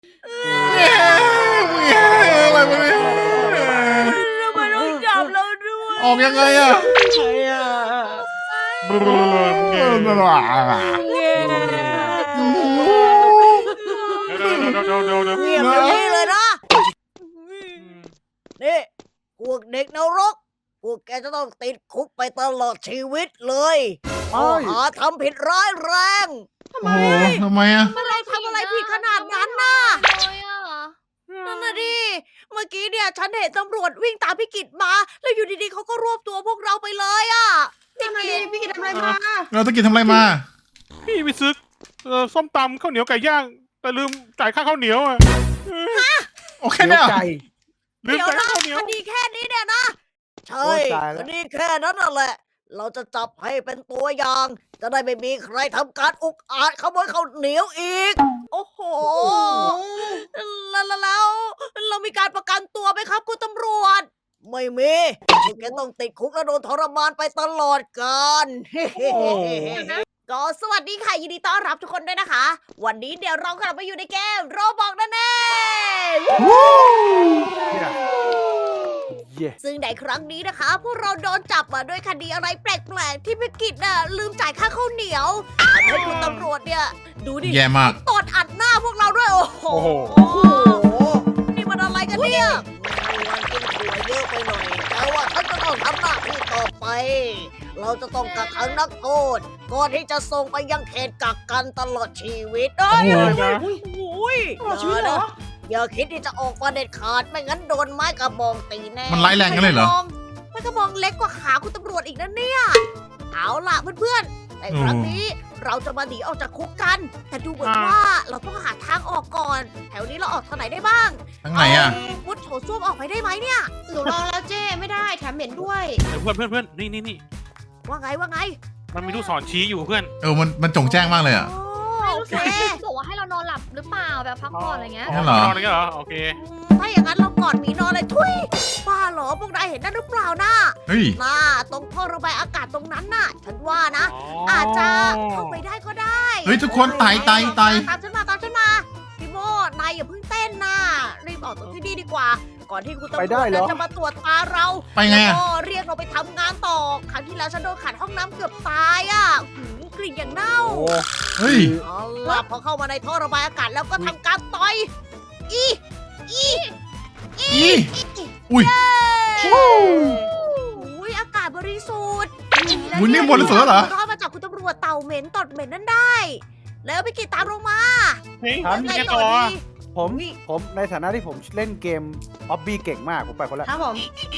อะไรวะเนี่ยทำไมต้องจับเราด้วยออกยังไงอะใครอ่ะเงี้ยเดี๋ยวเงียบอย่างนี้เลยนะนี่พวกเด็กนรกพวกแกจะต้องติดคุกไปตลอดชีวิตเลยข้อหาทำผิดร้ายแรงโอ้โหทำไมอะเราทำอะไรผิดขนาดนั้นน่ะเลยอ่ะนั่นน่ะดิ เมื่อกี้เนี่ยฉันเห็นตำรวจวิ่งตามพี่กิตมา แล้วอยู่ดีๆเขาก็รวบตัวพวกเราไปเลยอ่ะทำไมพี่กิตทำอะไรมาเราตะกี้ทำอะไรมาพี่ไปซื้อส้มตำข้าวเหนียวไก่ย่าง แต่ลืมจ่ายค่าข้าวเหนียวอ่ะโอเคเนี่ยไก่ลืมเดี๋ยวจ่ายนะค่าข้าวเหนียวคดีแค่นี้เนี่ยนะ ใช่โอ้ยตายแล้วคดีแค่นั้นน่ะแหละ เราจะจับให้เป็นตัวอย่าง จะได้ไม่มีใครทำการอุกอาจขโมยข้าวเหนียวอีก โอ้โห แล้วเรามีการประกันตัวไหมครับคุณตำรวจ ไม่มีพวกแกต้องติดคุกและโดนทรมานไปตลอดกาล ก็สวัสดีค่ะยินดีต้อนรับทุกคนด้วยนะคะ วันนี้เดี๋ยวเรากลับมาอยู่ในเกมโรบอกนั่นเองเย่ซึ่งในครั้งนี้นะคะ พวกเราโดนจับมาด้วยคดีอะไรแปลกๆ ที่พิกิจน่ะลืมจ่ายค่าข้าวเหนียวทำให้คุณตำรวจเนี่ยดูดิแย่มากตดอัดหน้าพวกเราด้วยโอ้โหโอ้โหนี่มันอะไรกันเนี่ยมันกินถั่วเยอะไปหน่อยแต่ว่าฉันจะต้องทำหน้าที่ต่อไป เราจะต้องกักขังนักโทษก่อนที่จะส่งไปยังเขตกักกันตลอดชีวิตเอ้ยโอ้โหโอ้ยตลอดชีวิตเหรออย่าคิดที่จะออกมาเด็ดขาดไม่งั้นโดนไม้กระบองตีแน่มันร้ายแรงกันเลยเหรอไม้กระบองเล็กกว่าขาคุณตำรวจอีกนะเนี่ย เอาล่ะเพื่อนๆในครั้งนี้เราจะมาหนีออกจากคุกกัน แต่ดูเหมือนว่าเราต้องหาทางออกก่อน แถวนี้เราออกทางไหนได้บ้างทางไหนอะมุดโถส้วมออกไปได้ไหมเนี่ยหนูลองแล้วเจ้ไม่ได้แถมเหม็นด้วยเดี๋ยวเพื่อนนี่ว่าไงมันมีลูกศรชี้อยู่เพื่อนมันจงแจ้งมากเลยอะโอเคบอกว่าให้เรานอนหลับหรือเปล่าแบบพักผ่อนอะไรเงี้ยงั้นเหรอนอนอะไรกันเหรอ โอเคถ้าอย่างนั้นเรากอดหมีนอนเลยทุยบ้าเหรอพวกนายเห็นนั่นหรือเปล่านะเฮ้ยน่าตรงท่อระบายอากาศตรงนั้นน่ะ ฉันว่านะ อาจจะเข้าไปได้ก็ได้เฮ้ยทุกคนไต่ตามฉันมาพี่โมนายอย่าเพิ่งเต้นนะรีบออกจากที่นี่ดีกว่า ก่อนที่คุณตำรไปวจได้เหรอจะมาตรวจตาเราไปไงแล้วอะก็เรียกเราไปทำงานต่อครั้งที่แล้วฉันโดนขัดห้องน้ำเกือบตายอ่ะกลิ่นอย่างเน่าโอ้เฮ้ยเอาล่ะพอเข้ามาในท่อระบายอากาศแล้วก็ทำการต่อยอีอีอีอุ้ยอุ้ยอากาศบริสุทธิ์อุ๊ยนี่บริสุทธิ์แล้วเหรอรอดมาจากคุณตำรวจเต่าเหม็นตดเหม็นนั่นได้ แล้วไปกินตามลงมาเฮ้ยฉันมีไงแค่ต่ต่ออดีผมในฐานะที่ผมเล่นเกมออบบี้เก่งมากผมไปคนละครับผม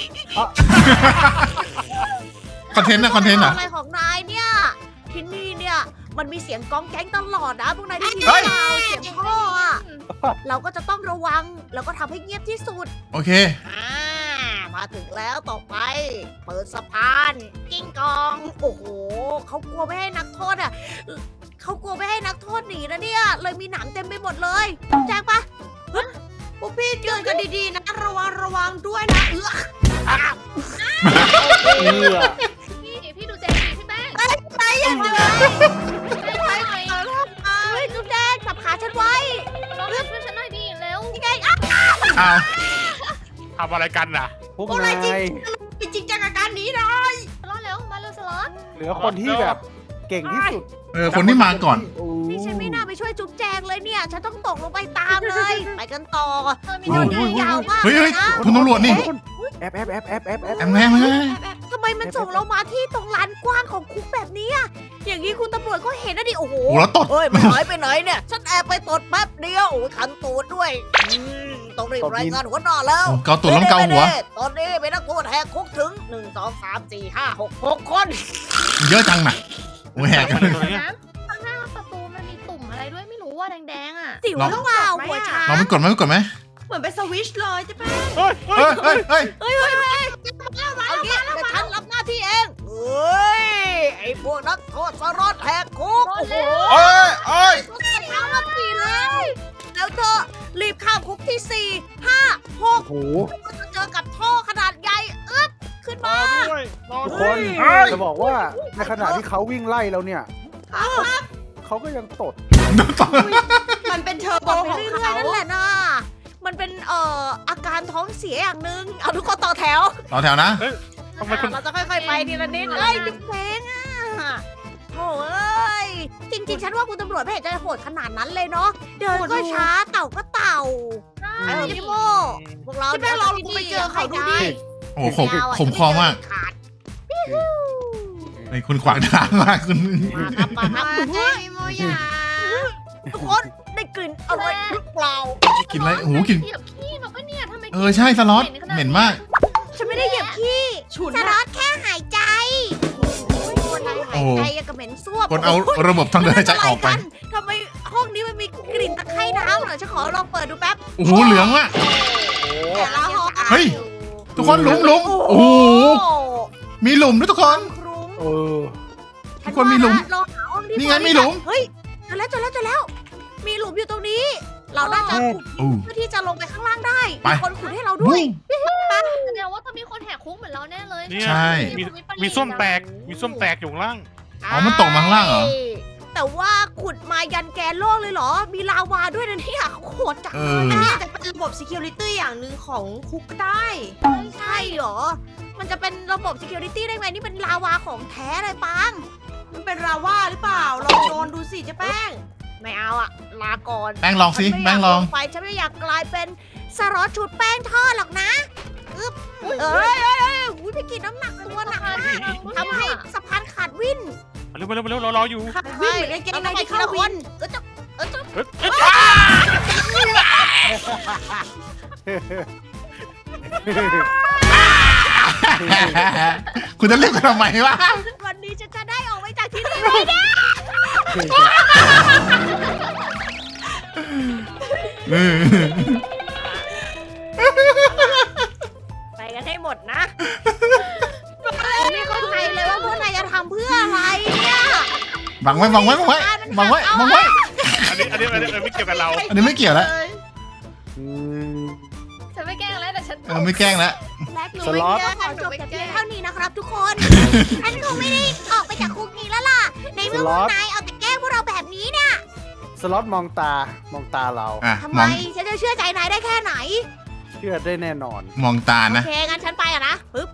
คอนเทนต์นะคอนเทนต์อะอะไรของนายเนี่ย ที่นี่เนี่ยมันมีเสียงก้องแก๊งตลอดนะพวกนายได้ยินเฮ้ยเปล่าเสียงท่ออะเราก็จะต้องระวังแล้วก็ทำให้เงียบที่สุดโอเคมาถึงแล้วต่อไป เปิดสะพานกิ้งกอง โอ้โหเขากลัวไม่ให้นักโทษอ่ะเขากลัวไม่ให้นักโทษหนีนะเนี่ย เลยมีหนามเต็มไปหมดเลยแจ้งปะเฮ้ยพวกพี่เตือนกันดีๆนะ ระวังด้วยนะเอือพี่ดูเจดีพี่แป้งตายอย่างเดียวช่วยหน่อยเฮ้ยจุ๊บแดงจับขาฉันไว้น้องช่วยฉันหน่อยดิเร็วนี่ไงอ่ะอ้าวทำอะไรกันน่ะพวกนายจริงจังกับการหนีนะสล็อตเร็วมาเร็วสล็อตเหลือคนที่แบบเก่งที่สุดคนที่มาก่อนโอ้นี่ฉันไม่น่าไปช่วยจุ๊บแจงเลยเนี่ย ฉันต้องตกลงไปตามเลย ไปกันต่อมีโอ้โดโหนยาวมากเฮ้ยเลเฮ้ยยนะคุณตำรวจนี่แอบแอบแอบแอบแอบแอบแอมแม่มาทำไมมันส่งเรามาที่ตรงลานกว้างของคุกแบบนี้อะอย่างนี้คุณตำรวจก็เห็นนะดิ โอ้โหโอ้แล้วตดเฮ้ย มันหายไปไหนเนี่ย ฉันแอบไปตดแป๊บเดียว โอ้ยขันตูดด้วยต้องรีบรายงานหัวหน้าแล้วเกาตุ่นแล้วเกาหัวตอนนี้เป็นนักโทษแหกคุกถึง 1 2 3 4 5 6 6 คนเยอะจังน่ะโอ้ยแหกกันเลยน้ำข้างหน้าประตูมันมีตุ่มอะไรด้วยไม่รู้ว่าแดงๆอ่ะสิวหรือเปล่าหัวช้างเราไม่กดไหมเหมือนเป็นสวิชเลยจะเป็นเฮ้ยเฮ้ยเฮ้ยเฮ้ยเฮ้ยเอางี้เดี๋ยวฉันรับหน้าที่เองเฮ้ย ไอ้พวกนักโทษสรอดแหกคุก โอ้โหเอ้ยเอ้ยเท้ามาสี่เลยแล้วเธอรีบข้ามคุกที่ 4 5 โอ้โห 6ก็จะเจอกับท่อขนาดใหญ่อึ๊บขึ้นรมาอด้วยรอทุกด้ควยนจะบอกว่าในขณะที่เขาวิ่งไล่เราเนี่ยเขาก็ยังตดมันเป็นเป็นเทอร์โบไปของเรื่อยๆเขานั่นแหละนะมันเป็นอาการท้องเสียอย่างหนึ่งเอาทุกคนต่อแถวต่อแถวนะทำไมคุณเราจะค่อยๆไปทีละนิดเอ้ยดึงเพลงอ่ะโถ่เอ้ยจริงๆฉันว่าคุณตำรวจไม่เห็นจะโหดขนาดนั้นเลยเนาะเดินก็ช้าเต่าก็เต่าไอ้พี่โมพวกเราพี่แป้งลองไปเจอเขาดูดิโอ้โหขมคอมากขาดไอ้คุณขวางทางมากคุณมาครับมาครับใจโมยาทุกคนได้กลิ่นอะไรหรือเปล่ากินอะไรโอ้โหกินเหยียบขี้มาปะเนี่ยทำไมใช่สล็อตเหม็นมากฉันไม่ได้เหยียบขี้ฉุนสนะล็อตแค่หายใจคนไทยหายใจยังกับเหม็นซ่วมคนเอาระบบทางเดินหายใจออกไปทำไมห้องนี้มันมีกลิ่นตะไคร่น้ำเหรอฉันขอลองเปิดดูแป๊บโอ้โหเหลืองว่ะแต่ละห้องเฮ้ย ทุกคนหลุมโอ้โหมีหลุมด้วยทุกคนครุ้งเออทุกคนมีหลุมเราหาห้องที่นี่ไงพอดีมีหลุมเฮ้ยเจอแล้ว มีหลุมอยู่ตรงนี้ เราน่าจะขุดอู้เพื่อที่จะลงไปข้างล่างได้ไปมีคนขุดให้เราด้วยแสดงว่าต้องมีคนแหกคุกเหมือนเราแน่เลยเนี่ยใช่มีส้มแตก มีส้มแตกอยู่ข้างล่างอ๋อมันตกมาข้างล่างเหรอใช่แต่ว่าขุดมายันแกนโลกเลยเหรอ มีลาวาด้วยนะเนี่ยโคตรจังเอเลยออันนี้อาจจะเป็นระบบ security อย่างหนึ่งของคุกก็ได้ใช่เหรอ มันจะเป็นระบบ security ได้ไหมนี่เป็นลาวาของแท้เลยปังมันเป็นราว่าหรือเปล่า ลองโดนดูสิเจ๊แป้งไม่เอาอะลาก่อนแป้งลองสิฉันไม่แป้งยากลองไปฉันไม่อยากกลายเป็นสล็อตชุดแป้งทอดหรอกนะอึ๊บเอ้ยอุ้ยพี่กินน้ำหนักตัวหนักมากทำให้สะพานขาดวิ่นเร็วๆเร็วๆรออยู่วิ่งเหมือนกางเกงในที่เข้าวินก็จะเอ้ยคุณจะเรียกกันทำไมวะวันนี้ฉันจะได้ออกไปจากที่นี่ไหมเนี่ยเออไปกันให้หมดนะไม่เข้าใจเลยว่าพวกนายจะทำเพื่ออะไรเนี่ยบังไว้บังไว้บังไว้บังไว้บังไว้อันนี้ไม่เกี่ยวกับเราอันนี้ไม่เกี่ยวแล้วอืมฉันไม่แกล้งแล้วแต่ฉันไม่แกล้งแล้วและหนูสล็อตก็ขอจบแต่เพียงเท่านี้นะครับทุกคน ฉันคงไม่ได้ออกไปจากคุกนี้แล้วล่ะ ในเมื่อพวกนายเอาแต่แกล้งพวกเราแบบนี้เนี่ยสล็อตมองตเราอ่ะทำมไมองฉันจะเชื่อใจนายได้แค่ไหนเชื่อได้แน่นอนมองตาโอนะเค งั้นฉันไปอะนะปึ๊บ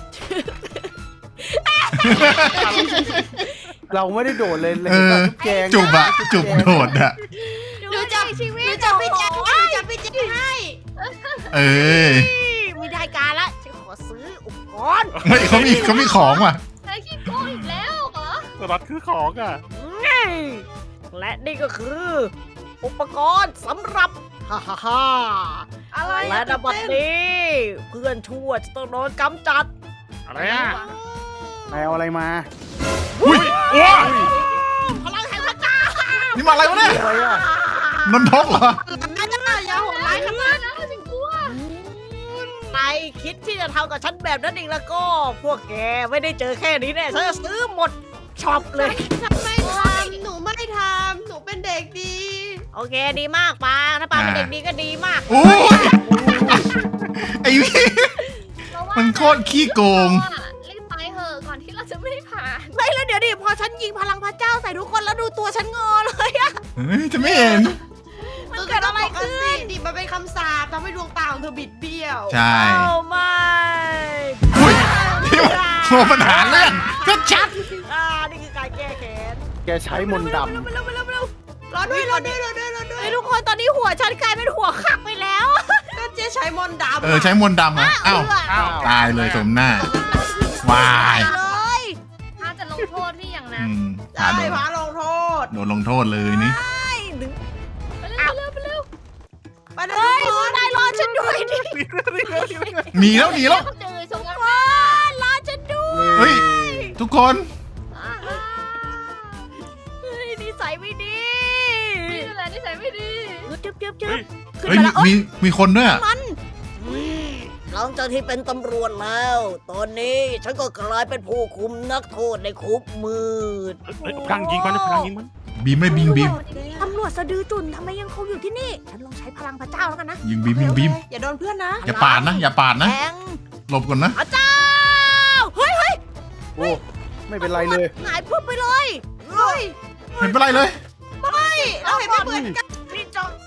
เราไม่ได้โดดเลยเลยเออแกงจุบอะจุบโดดอะหนูจะชีวิตหนูจะไปแจ้งให้หนูจะไปแจ้งให้เออไม่ได้การละ ฉันขอซื้ออุปกรณ์เฮ้ยเขามีของว่ะนายขี้โกงอีกแล้วเหรอสลัดคือของอ่ะและนี่ก็คือ อุปกรณ์สำหรับฮ่าฮ่าฮ่าอะไรและนบัดนี้ เพื่อนชั่วจะต้องโดนกำจัดอะไรอ่ะนายเอาอะไรมาอุ้ยว้าพลังแห่งพระเจ้านี่มาอะไรวะเนี่ยอะไรอ่ะนนทกเหรออย่าโหดร้ายขนาดนั้นนะฉันกลัวนายคิดที่จะทำกับฉันแบบนั้นเองแล้วก็ พวกแกไม่ได้เจอแค่นี้แน่ฉันจะซื้อหมดช็อปเลยฉันไม่ทำหนูไม่ทำหนูเป็นเด็กดีโอเคดีมากปางถ้าปางเป็นเด็กดีก็ดีมากโอ้ยไอ้พี่ มันโคตรขี้โกงรีบไปเถอะก่อนที่เราจะไม่ได้ผ่านไม่แล้วเดี๋ยวดิพอฉันยิงพลังพระเจ้าใส่ทุกคนแล้วดูตัวฉันงอเลยอะเฮ้ยจะไม่เห็นมันเกิดอะไรขึ้นดิมันเป็นคำสาปทำให้ดวงตาของเธอบิดเบี้ยวใช่โอ้ไม่อุ้ยนี่มันโอ้ปัญหาเรื่องชัดนี่คือการแก้แค้นแกใช้มนต์ดเร็วๆรอด้วยรอด้วยรอด้วยรอด้วยไอ้ทุกคนตอนนี้หัวฉันกลายเป็นหัวขักไปแล้วก็เจ๊ใช้มนต์ดำใช้มนต์ดำอะอ้าวอ้าวตายเลยสมหน้า วายเลยถ้าจะลงโทษพี่อย่างอืนั้นมใช่พระลงโทษโดนลงโทษเลยนี่ดึงไปเร็วไปเร็วไปเลยเฮ้ยทุกคนนายรอฉันด้วยดิหนีแล้วหนีแล้วเจอชทุงกกันคนรอฉันด้วยำเฮ้ย ทุกคนเฮ้ยนิสัยไม่ดีนี่แหละนิสัยไม่ดีจึ๊บขึ้นเฮ้ยมาแล้วมีคนด้วยอะหลังจากที่เป็นตำรวจแล้ว ตอนนี้ฉันก็กลายเป็นผู้คุมนักโทษในคุกมืดเฮ้ยพลังยิงมันพลังยิงมันบีมไม่บีมตำรวจสะดือจุนทำไมยังคงอยู่ที่นี่ ฉันลองใช้พลังพระเจ้าแล้วกันนะยิงบีมอย่าโดนเพื่อนนะอย่าปาดนะ อย่าปาดนะแทงหลบก่อนนะพระเจ้า เฮ้ยโอ้ไม่เป็นไรเลยหงายปุ๊บไปเลยเฮ้ยเห็นเป็นไรเลยเราเห็นไม่เหมือนกันพี่จอง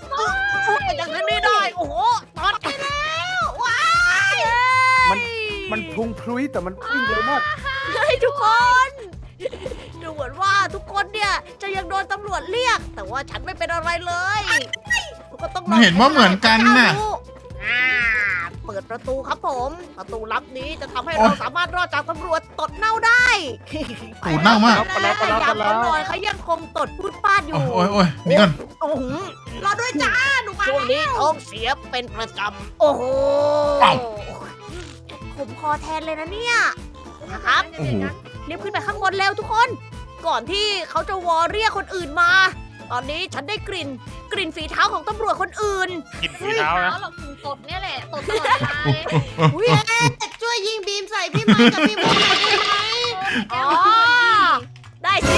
จากที่นี่ได้โอ้โหตอนไปแล้วว้ายมันพุงพลุยแต่มันวิ่งเร็วมากเฮ้ยทุกคนดูเหมือนว่าทุกคนเนี่ยจะยังโดนตำรวจเรียก แต่ว่าฉันไม่เป็นอะไรเลยก็ต้องรอไม่เห็นว่าเหมือนกันน่ะอ่าเปิดประตูครับผม ประตูลับนี้จะทำให้เราสามารถรอดจากตำรวจตดเน่าได้ตูดเน่ามากไปแล้วไปแล้วไปแล้วยามเขานอนเขายังคงตดพูดป้าดอยู่โอ้ยโอ้ยนี่ก่อนโอ้โหรอด้วยจ้า หนูมาช่วงนี้ท้องเสียเป็นประจำโอ้โหอ้าวผมคอแทนเลยนะเนี่ยนะครับโอ้โหรีบขึ้นไปข้างบนเร็วทุกคน ก่อนที่เขาจะวอเรียกคนอื่นมา ตอนนี้ฉันได้กลิ่นฝีเท้าของตำรวจคนอื่นกินฝีเท้านะเราถึงตดเนี่ยแหละตดตลอดเวลาเลยอุ้ยแต่ช่วยยิงบีมใส่พี่ไม้กับพี่โมหน่อยได้ไหมอ๋อ ได้สิ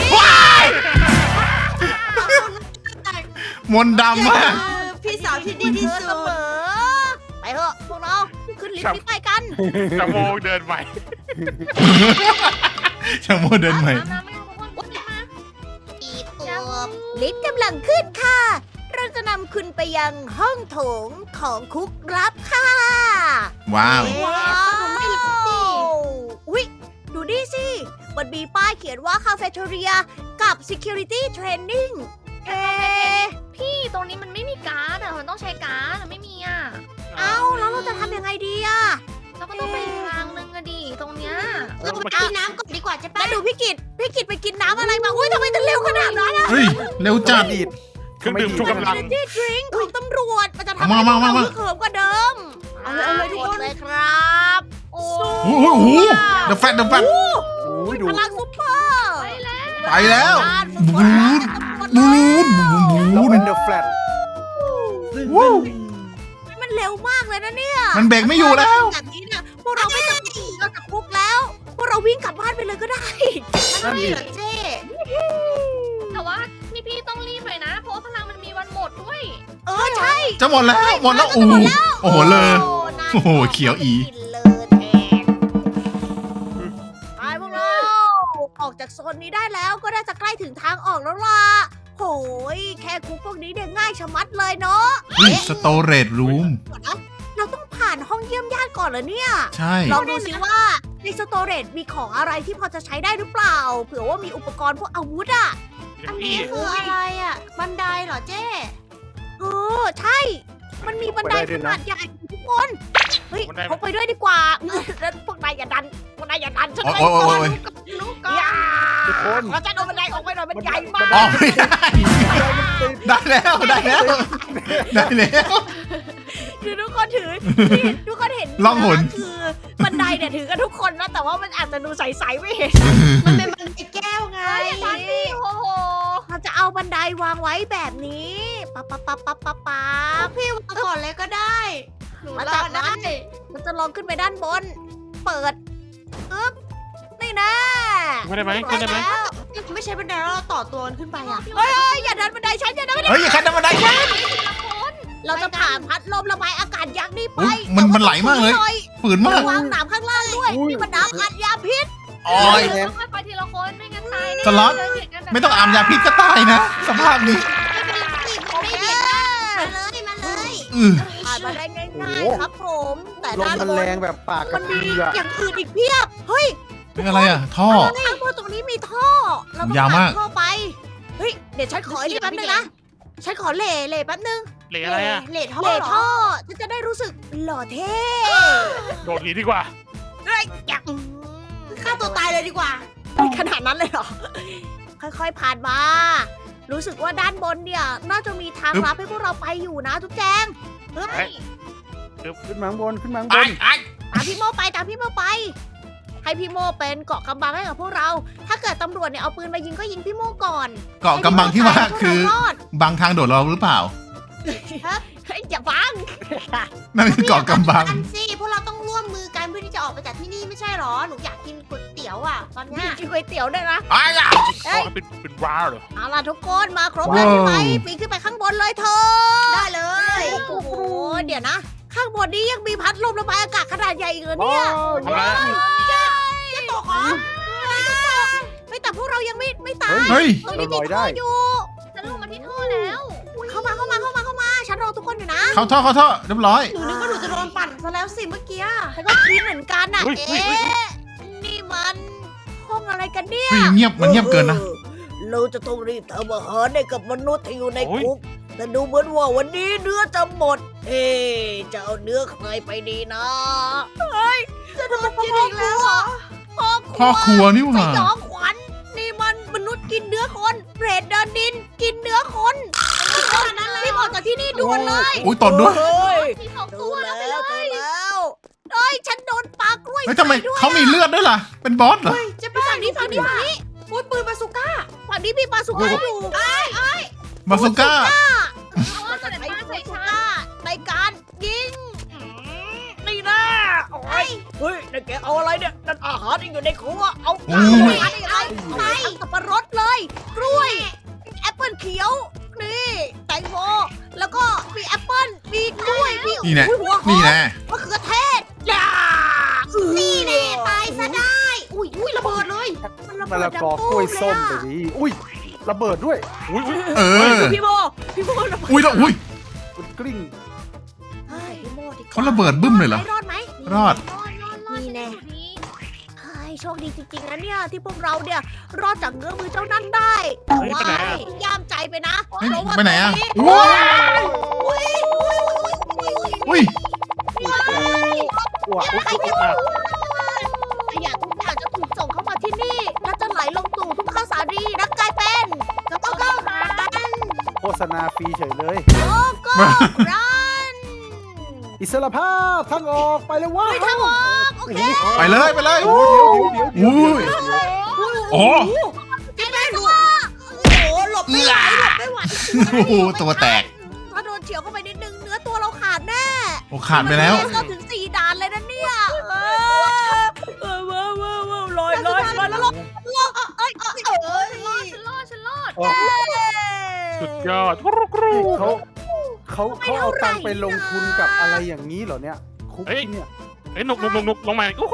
มนต์ดำมากพี่สาวที่ดีที่เธอสุเสมดอไปเถอะพวกเราขึ้นลิฟต์นี้ไปกันจะโมงเดินไปช่างโมเดินใหม่น้ำไม่รู้ทุกคนขึ้นมาปีตัวลิฟต์กำลังขึ้นค่ะ เราจะนำคุณไปยังห้องโถงของคุกลับค่ะว้าวว้าวอุ๊ย ดูนี่สิ มันมีป้ายเขียนว่า Cafeteria กับ Security Training เอ๊ะพี่ตรงนี้มันไม่มีการ์ดอะมันต้องใช้การ์ดอะไม่มีอะเอ้า แล้วเราจะทำยังไงดีอะเราก็ต้องไปทางนึงอะดิตรงเนี้ยเราไปกินน้ำก่อนดีกว่าจะแล้ป้าวดูพี่กิตไปกินน้ำอะไรมา อุ้ยทำไมถึงเร็วขนาดนั้นอะเฮ้ย เร็วจัดดีดเครื่องดื่มชูกำลัง Energy Drink ของตำรวจ มันจะทำมาให้มาเรามาฮึกเหิมกว่าเดิมเอาเลยทุกคนเลยครับ โอ้โอ้โหเดอะแฟตเดอะแฟตโอ้ยดูพลังซุปเปอร์ไปแล้วไปแล้วด้านบูสุนดๆบูนบูเรานเป็นเดอะแฟลตวู้มันเร็วมากเลยนะเนี่ยมันเบรกไม่อยู่แล้วแบบนี้เนี่ยพวกเราไม่ต้องหนีออกจากคุกแล้ว พวกเราวิ่งกลับบ้านไปเลยก็ได้นั่นนี่ดิเหรอเจ๊แต่ว่าพี่ต้องรีบหน่อยนะ เพราะว่าพลังมันมีวันหมดด้วยเออใช่จะหมดแล้ว หมดแล้ว โอ้โหโอ้โหเลย โอ้โหเขียวอีกินเลยแทนไปพวกเราออกจากโซนนี้ได้แล้วก็น่าจะใกล้ถึงทางออกแล้วล่ะโหยแค่คุกพวกนี้เนี่ยง่ายชะมัดเลยเนาะเฮ้ย สโตเรจรูมก่อนนะเราต้องผ่านห้องเยี่ยมญาติก่อนเหรอเนี่ยใช่ลองดูสิว่าในสโตเรจมีของอะไรที่พอจะใช้ได้หรือเปล่า เผื่อว่ามีอุปกรณ์พวกอาวุธอ่ะอันนี้คืออะไรอ่ะ บันไดเหรอเจ๊เออใช่ มันมีบันไดขนาดใหญ่ทุกคน เฮ้ยพกไปด้วยดีกว่าแล้วพวกนายอย่าดันฉันโอ้ยไปโอ้ยก่อนโอ้ยลูกก่อนทุกคนขอฉันเอาบันไดออกไปหน่อยมันใหญ่มากออกไม่ได้ ได้แล้ว ได้แล้ว ได้แล้วคือทุกคนถือนี่ทุกคนเห็นล่องหนคือบันไดเนี่ยถือกันทุกคนนะแต่ว่ามันอาจจะดูใสๆไม่เห็นมันเป็นบันไดแก้วไงโอ้โหเราจะเอาบันไดวางไว้แบบนี้ปั๊บปั๊บปั๊บปั๊บปั๊บปั๊บพี่วางก่อนเลยก็ได้ หนูแล้วรจาอกนั้ได้น มันจะลองขึ้นไปด้านบน เปิดอึ๊บนี่นะขึ้นได้ไหมขึ้นได้ไหมแล้วไม่ใช่บันไดแล้วเราต่อตัวกันขึ้นไปอ่ะเฮ้ยอย่าดันบันไดฉันอย่าดันบันไดเฮ้ย อย่าคัดน้ำมันได้ฉันเราจะผ่านพัดลมระบายอากาศยักษ์นี่ไปอุ๊ยมันไหลมากเลย ฝืนมากวางหนามข้างล่างด้วย นี่มันน้ำอัดยาพิษโอ้ยค่อยๆไปทีละคนไม่งั้นตายแน่สล็อต ไม่ต้องอามยาพิษก็ตายนะ สภาพนี้โอเคมาเลยอือผ่านมาได้ง่ายๆครับผม แต่ลมด้านมันบแรนงแบบปากกมัระนพืมีออะอย่างอื่นอีกเพียบ เฮ้ยเป็นอะไรอ่ะ ท่อข้างบนตรงนี้มีท่อ เราต้องยาวมากผ่นท่อไป เฮ้ย เดี๋ยวฉันขออีกแป๊บนึงนะ ฉันขอเหล่แป๊บนึงเหลอะไรอ่ะเลทท่อเหล่เหรอท่อ ฉันจะได้รู้สึกหล่อเท่โดดหนีดีกว่าเฮ้ยอยากฆ่าตัวตายเลยดีกว่าขนาดนั้นเลยเหรอ ค่อยๆผ่านมา รู้สึกว่าด้านบนเนี่ย น่าจะมีทางลับให้พวกเราไปอยู่นะทุกแจงเฮ้ยขึ้นมาข้างบนขึ้นมาข้างบไอ้นไอ้ตามพี่โมไปตามพี่โมไป ให้พี่โมเป็นเกาะกำบังให้กับพวกเรา ถ้าเกิดตำรวจเนี่ยเอาปืนมายิงก็ยิงพี่โมก่อนเกาะกำบังที่ว่าคือให้พวกเรารอดบางทางโดดเราหรือเปล่าเฮ้ยอย่าบังนั่นคือเกาะกำบังอันสิพวกเราต้องร่วมมือกันเพื่อที่จะออกไปจากที่นี่ไม่ใช่หรอ หนูอยากกินก๋วยเตี๋ยวอ่ะ ตอนเนี้ยกินก๋วยเตี๋ยวด้วยนะไอ้ยะเอ้ยเป็นว้าวเหรอเอาล่ะทุกคนมาครบแล้วใช่ไหมว้าวปีนขึ้นไปข้างบนเลยเธอได้เลยโอ้โหเดี๋ยวนะ ข้างบนนี้ยังมีพัดลมระบายอากาศขนาดใหญ่อีกเหรอโอ้เนี่ยยทำอะไรจะตกเหรอเฮ้ยแต่พวกเรายังไม่ตายเฮ้ยตรงนี้เราลมีอยได้ท่ออยู่ฉันลงมาที่ท่อแล้วเข้ามาฉันฉันรอทุกคนอยู่นะเข้าท่อเรียบร้อยหนูนึกว่าหนูจะโดนปั่นซะแล้วสิเมื่อกี้ฉันก็คิดเหมือนกันน่ะเฮ้ยเอ๊ะนี่มันห้องอะไรกันเนี่ยเฮ้ยเงียบมันเงียบเกินนะเราจะต้องรีบทำอาหารให้กับมนุษย์ที่อยู่ในโอ้ยคุก แต่ดูเหมือนว่าวันนี้เนื้อจะหมด เอ๊ะจะเอาเนื้อใครไปดีนะ เฮ้ย จะโดนกินอีกแล้วเหรอพ่อครัวนี่หสว่ายองขวัญนี่มันมนุษย์กินเนื้อคนเปรตเดินดินกินเนื้อคนรีบออกจากที่นี่ด่วนเลยโอ้ยตดด้วยเฮ้ยมีสองดูตัวแล้แล้ววดูแล้วเฮ้ยฉันโดนปลากล้วยเฮ้ยทำไมใส่ด้วยเขามีเลือดด้วยล่ะ เป็นบอสเหรอเฮ้ยเจ๊แป้ฝั่งงนี้ฝั่งนี้ฝั่งนี้อุ้ยปืนบาซูก้าฝั่งนี้มีปลาสุก้าอยู่บาซูก้าเอาว่าจะใส่ใช้ป้าปใส่ลาสุชาก้าในการยิงนี่นะโอ้ยเฮ้ยนั่นแกเอาอะไรเนี่ยนั่นอาหารที่อยู่ในครัวเอาโอ้ยเอาไปสับปะรดเลยกล้วยแอปเปิลเขียวนี่แตงโมแล้วก็มีแอปเปิลมีกล้วยมีนี่แน่อุ้ยหัวหอนี่มแน่มะเขือเทศอย่านี่แน่ตายซะได้อุ้ยระเบิดเลยมันระมะเบิละดดังกอตู้กล้วยเลส้มยไปอะดิอุ้ยระเบิดด้วยอุ้ยเออพี่โมระเบิดอุ้ยแล้วอุ้ยมันกลิ้งเฮ้ยพี่โมดีกว่เขาระเบิดบึ้มเลยเหรอรอดไหมรอดนี่แน่ เฮ้ยโชคดีจริงๆนะเนี่ยที่พวกเราเนี่ยรอดจากเงื้อมือเจ้านั่นได้แต่ว่าย่ามใจไปนะเฮ้ยเพราะว่าไปไหนอะตโอ้ยอุ้ยอุ้ยอ้วกขยะทุกอย่างจะถูกส่งเข้ามาที่นี่และจะไหลลงตู่ทุ่งข้าวสาลีและกลายเป็นกระเป๋าข้าวสารโฆษณาฟรีเฉยเลยโอ้โก้รันอิสรภาพทางออกไปเลยว้าไปทางออกโอเคไปเลยไปเลยโอ้เดี๋ยวอุ้ย โอ้เจ๊แม่หนูโอ้โหหลบไม่ไหวหลบไม่ไหวโอ้โหตัวแตกถ้าโดนเฉียวเข้าไปนิดนึงเนื้อตัวเราขาดแน่โอ้ขาดไปแล้วเราถึง4 ด่านเลยนะเนี่ยว้าวลอยแล้วลงเอ้ยฉันรอดสุดยอดกรูกรูเขาเอาตังค์ไปลงทุนกับอะไรอย่างนี้เหรอเนี่ยคุกที่เนี่ยเอ้ยหนุกลงมาอู้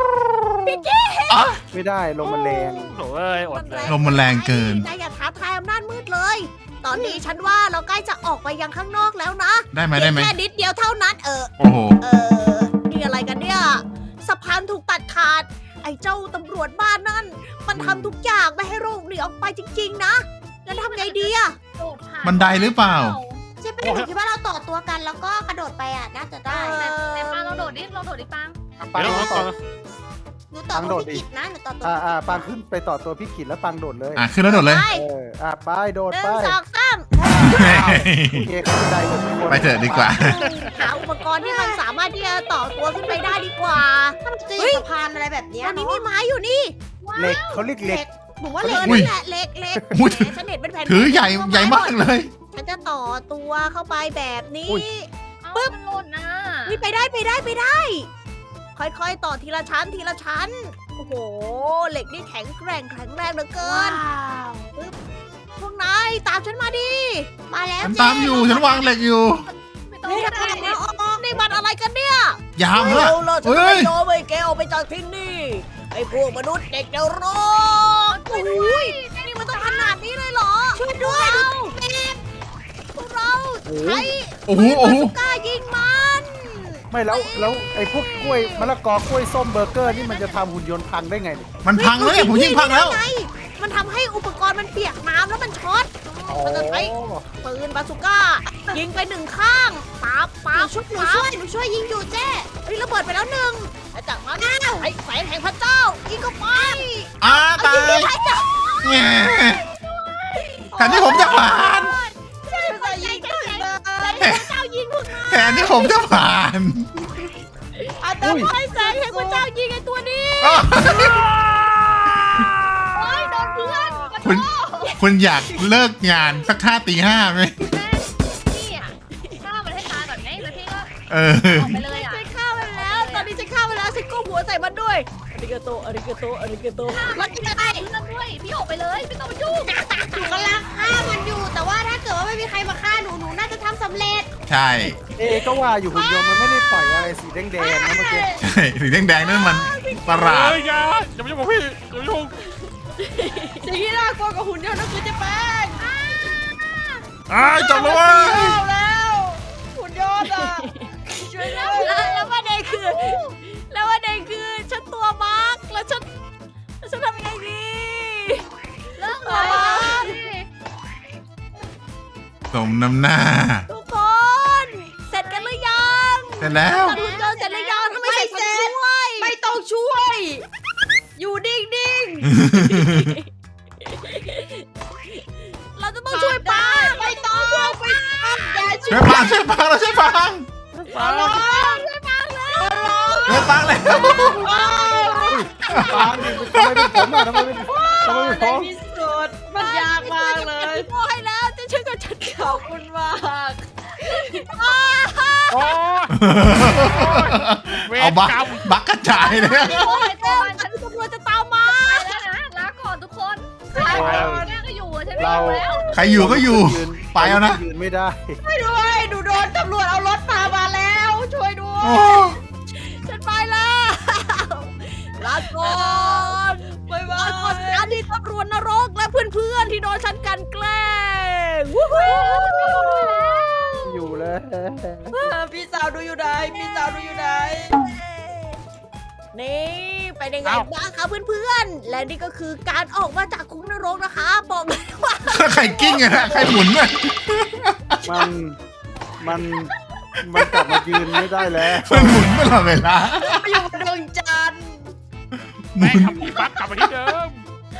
ไม่ได้ลงมันแรงโถ่อดเลยลมมันแรงเกินนายอย่าท้าทายอำนาจมืดเลย ตอนนี้ฉันว่าเราใกล้จะออกไปยังข้างนอกแล้วนะได้ไหมได้ไหมแค่นิดเดียวเท่านั้นโอ้โหนี่อะไรกันเนี่ยสะพานถูกตัดขาด ไอ้เจ้าตำรวจบ้านนั่น มันทำทุกอย่างไม่ให้โรคหนีออกไปจริงๆนะแล้วทำไงดีอะโดดผ่านบันไดหรือเปล่าเจ๊แป้งหนูคิดว่าเราต่อตัวกันแล้วก็กระโดดไปอ่ะน่าจะได้แต่ปางเราโดดดิปังปังเดี๋ยวต่อหนูต่อตัวพี่กิจนะหนูต่อตัวปังขึ้นไปต่อตัวพี่กิจแล้วปังโดดเลยอ่ะขึ้นแล้วโดดเลยไปไปโดดหนึ่ไปงสองสามโอเคเขาจะได้หมดทุกคนไปเถอะดีกว่าหาอุปกรณ์ที่มันสามารถที่จะต่อตัวขึ้นไปได้ดีกว่าถ้ามันจะมีสะพานอะไรแบบเนี้ยตอนนี้เนาะมีไม้อยู่นี่เหล็กเขาเรียกเหล็กหนูว่าเอเหล็กออุ้ยนั่นแหละเล็กเล็กอุ้ยแหมฉันเห็นเป็นแผ่นถือใหญ่มากเลยฉันจะต่อตัวเข้าไปแบบนี้อุ้ยปึ๊บหล่นนะนี่ไปได้ ค่อยๆต่อทีละชั้นทีละชั้น โอ้โห เหล็กนี่แข็งแรงเหลือเกิน พวกนายตามฉันมาดิมาแล้วฉันตามอยู่ ฉันวางเหล็กอยู่ไม่ต้องเฮ้ยก็ทำไมได้นี่มันอะไรกันเนี่ยยามละเร็วเลยฉันเฮ้จะไม่ยยอมให้แกออกไปจากที่นี่ไอ้พวกมนุษย์เด็กเดรกโอ้ยนี่มันต้องขนาดนี้เลยเหรอ ช่วยด้วยพวกเราใช้โอ้โหโอ้โหกล้ายิงมันไม่แล้วไอ้พวกกล้วยมะละกอกล้วยส้มเบอร์เกอร์นี่มันจะทำหุ่นยนต์พังได้ไงเนี่ยมันพังแล้วเนี่ยผมยิงพังแล้วไมันทำให้อุปกรณ์มันเปียกน้ำแล้วมันช็อต มันจะใช้ ปืนบาซูก้า ยิงไปหนึ่งข้างปั๊บหปั๊นูบช่วยยิงอยู่เจ๊เฮ้ยระเบิดไปแล้วหนึ่งแล้วจากนั้นไอ้แสงแห่งพระเจ้ายิงเข้าไปตายยิงให้จับแง่แทนที่ผมจะผ่านใช่ใส่ยิงถึงเลยพระเจ้ายิงพวกนายแทนที่ผมจะผ่านแต่ให้แสงแห่งพระเจ้ายิงไอ้ตัวนี้อ้าวเฮ้ยโดนเพื่อนคุณอยากเลิกงานสักท่าตี 5ไหมนี่อ่ะฆ่ามันให้ตายก่อนไงแล้วพี่ก็เออออกไปเลยอ่ะฉันฆ่ามันแล้ว ตอนนี้ฉันฆ่ามันแล้วฉันก้มหัวใส่มันด้วยอาริกาโตอาริกาโตอาริกาโตมันจะตายเพื่อนด้วยพี่ออกไปเลยไม่ต้องมายุ่งหนูกำลังฆ่ามันอยู่ แต่ว่าถ้าเกิดว่าไม่มีใครมาฆ่าหนูน่าจะทำสำเร็จใช่ก็ว่าอยู่หุ่นยนต์มันไม่ได้ปล่อยอะไรสีแดงๆนะเมื่อกี้ใช่สีแดงๆนั่นมันประหลาดเฮ้ยอย่ามายุ่งกับพี่อย่ามายุ่งสิ่งที่น่ากลัวกับหุ่นยนต์ก็คือจะแป้งอ้ายจบแล้วเว้ยแล้วยอดอ่ะช่วยด้วยแล้วประเด็นคือฉันตัวบั๊กแล้วฉันทำยังไงดีเลิกเลยสมน้ำหน้าทุกคนเสร็จกันหรือยังเสร็จแล้วจัดหุ่นยนต์เสร็จหรือยังทำไมใส่ฉันช่วยไม่ต้องช่วย อยู่นิ่งเราจะๆต้องช่วยป้าไม่ต้องไปอย่าช่ช่ววย ยปังช่วยปังเราช่วยปังขอร้องช่วยปังแล้วปางดิทำไมเป็นผมอ่ะทำไมเป็นผมในที่สุดมันยากมากเลยพี่โมให้แล้วจะช่วยกับฉันขอบคุณมากโอ้เวเอารบักกรรมบักกระจายเลยโอ้ยเต้ฉันตำรวจจะตามมาไปแล้วนะลาก่อนทุกคนลาก่อนแม่ก็อยู่อะฉันไม่อยู่แล้วใครอยู่ก็อยู่ ไปเอานะยืนไม่ได้ช่วยด้วยหนูโดนตำรวจเอารถพามาแล้ว ช่วยด้วยโอ้ฉันไปแล้วลาก่อนบ๊ายบาลาก่อนยอดีตตำรวจนรกและเพื่อนๆที่โดนฉันกลันแกล้งวู้ฮู้อยู่แล้วพี่สาวดูอยู่ไหนพี่สาวดูอยู่ไหนนี่เป็นยังไงบ้างคะเพื่อนๆ และนี่ก็คือการออกมาจากคุกนรกนะคะ บอกเลยว่าใครกิ้งอะนะใครหมุนอะมันกลับมายืนไม่ได้แล้วมันหมุนตลอดเวลาไปอยู่บนดวงจันทร์หมุแม่นทำที่บักกลับมาที่เดิม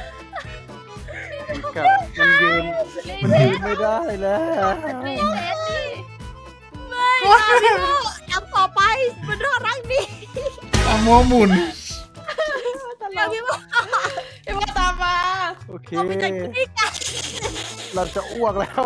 มันยืนไม่ได้แล้วนี่เซฟดิไม่นะพี่โมย้ำต่อไปมันน่ารักดีเอาโมหมุนเดี๋ยวพี่โมพี่ว่าตามมาโอเคเราไปกันที่กันเราจะอ้วกแล้ว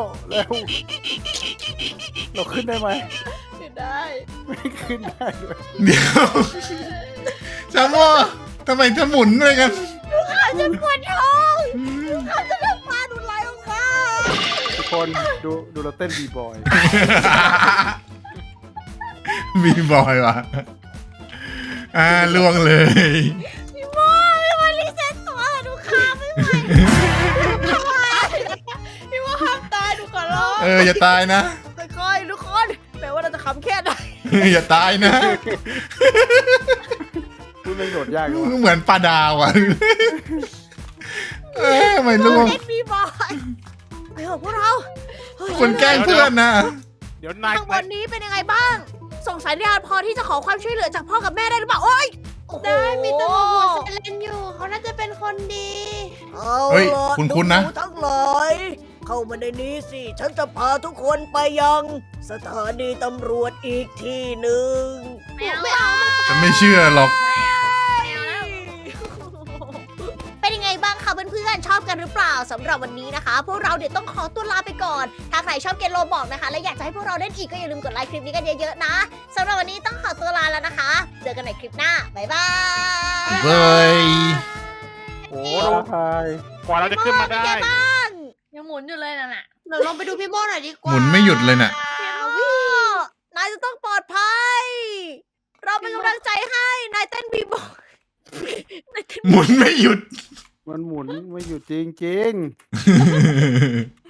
เราขึ้นได้ไหมขึ้นได้ไม่ขึ้นได้ด้วยเดี๋ยวจาโมทำไมจะหมุนอะไรกันฉันปวดท้องเขาจะเลือกปลาดูดไหลออกมาทุกคนดูเราเต้นบีบอยมีบอยว่ะล่วงเลยพี่โมไม่มารีเซ็ตตัวดูขาไม่ไหวพี่ว่าห้ามตายดูก่อนร้องอย่าตายนะค่อยๆทุกคนแปลว่าเราจะขำแค่ไหนอย่าตายนะพูดเรื่องโดดยากเลยเหมือนปลาดาวอ่ะทำไมล่วงเล่นบีบอยไปเถอะพวกเราเฮ้ยคนแกล้งเพื่อนนะเดี๋ยวนายข้างบนนี้เป็นยังไงบ้าง ส่งสัญญาณพอที่จะขอความช่วยเหลือจากพ่อกับแม่ได้หรือเปล่า โอ๊ยโอ้โหได้มีตำรวจหัวไซเลนอยู่เขาน่าจะเป็นคนดีเอาเฮ้ยล่ะคุ้นๆนะหทั้งหลายเข้ามาในนี้สิ ฉันจะพาทุกคนไปยังสถานีตำรวจอีกที่หนึ่งไม่เอาฉันไม่เชื่อหรอกเป็นยังไงบ้างคะเพื่อนๆชอบกันหรือเปล่าสำหรับวันนี้นะคะ พวกเราเดี๋ยวต้องขอตัวลาไปก่อน ถ้าใครชอบเกมโลบอกนะคะ และอยากจะให้พวกเราเล่นอีกก็อย่าลืมกดไลค์คลิปนี้กันเยอะๆนะสำหรับวันนี้ต้องขอตัวลาแล้วนะคะ เจอกันในคลิปหน้าบ๊ายบายเบ้ยโอ้ท้าทายกว่าเราจะขึ้นมาได้ยังหมุนอยู่เลยนั่นน่ะเดี๋ยวลองไปดูพี่โม่หน่อยดีกหว่ามุนไม่หยุดเลยน่ะนายจะต้องปลอดภัย เราเป็นกำลังใจให้นายเต้นบีบอยหมุนไม่หยุดมันหมุนไม่อยู่จริง